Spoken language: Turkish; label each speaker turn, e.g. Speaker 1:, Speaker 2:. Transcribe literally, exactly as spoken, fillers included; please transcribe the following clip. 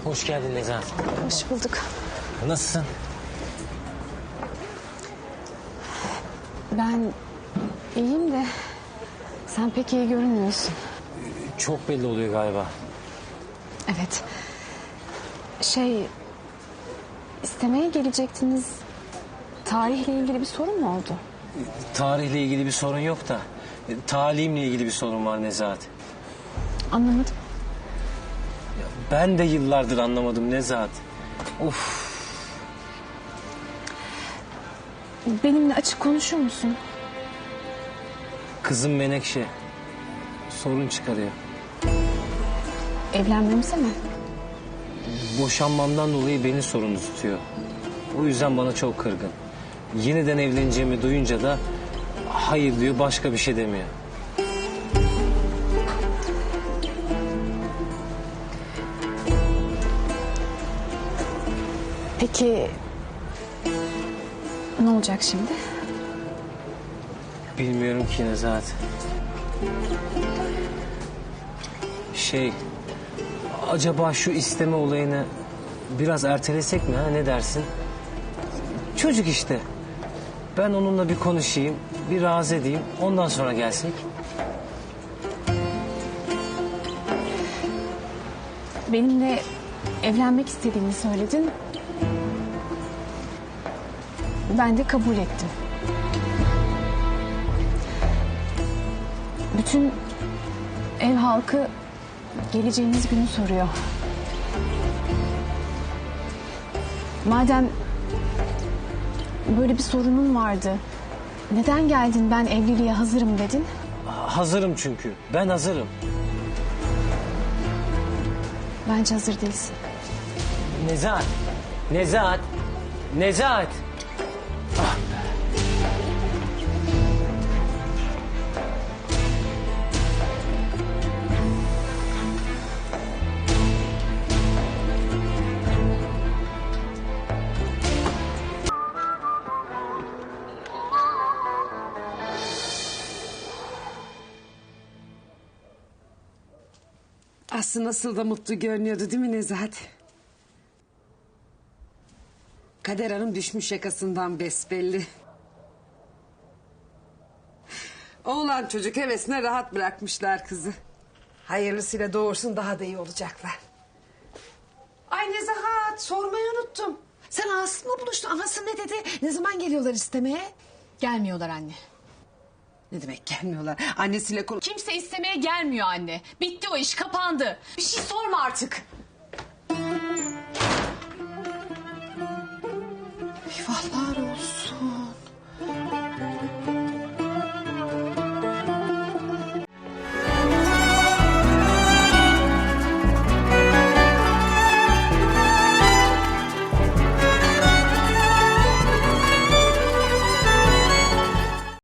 Speaker 1: Hoş geldin Nezahat.
Speaker 2: Hoş bulduk.
Speaker 1: Nasılsın?
Speaker 2: Ben iyiyim de sen pek iyi görünmüyorsun.
Speaker 1: Çok belli oluyor galiba.
Speaker 2: Evet. Şey, istemeye gelecektiniz. Tarihle ilgili bir sorun mu oldu?
Speaker 1: Tarihle ilgili bir sorun yok da talimle ilgili bir sorun var Nezahat.
Speaker 2: Anlamadım.
Speaker 1: Ben de yıllardır anlamadım Nezahat. Of.
Speaker 2: Benimle açık konuşur musun?
Speaker 1: Kızım Menekşe sorun çıkarıyor.
Speaker 2: Evlenmemize mi?
Speaker 1: Boşanmamdan dolayı beni sorumlu tutuyor. O yüzden bana çok kırgın. Yeniden evleneceğimi duyunca da hayır diyor, başka bir şey demiyor.
Speaker 2: Peki ne olacak şimdi?
Speaker 1: Bilmiyorum ki Nezahat. Şey, acaba şu isteme olayını biraz ertelesek mi, ha, ne dersin? Çocuk işte. Ben onunla bir konuşayım, bir razı edeyim, ondan sonra gelsek.
Speaker 2: Benimle evlenmek istediğini söyledin. Ben de kabul ettim. Bütün ev halkı geleceğiniz günü soruyor. Madem böyle bir sorunun vardı, neden geldin ben evliliğe hazırım dedin?
Speaker 1: Hazırım çünkü, ben hazırım.
Speaker 2: Bence hazır değilsin.
Speaker 1: Nezahat, Nezahat, Nezahat. Ah be.
Speaker 3: Aslı nasıl da mutlu görünüyordu değil mi Nezahat? Kader Hanım düşmüş yakasından besbelli. Oğlan çocuk hevesine rahat bırakmışlar kızı. Hayırlısıyla doğursun, daha da iyi olacaklar. Ay Nezahat, sormayı unuttum. Sen Aslı'mla buluştun. Anası ne dedi? Ne zaman geliyorlar istemeye?
Speaker 4: Gelmiyorlar anne.
Speaker 3: Ne demek gelmiyorlar? Annesiyle konuş...
Speaker 4: Kimse istemeye gelmiyor anne. Bitti o iş, kapandı. Bir şey sorma artık.
Speaker 3: Eyvallah.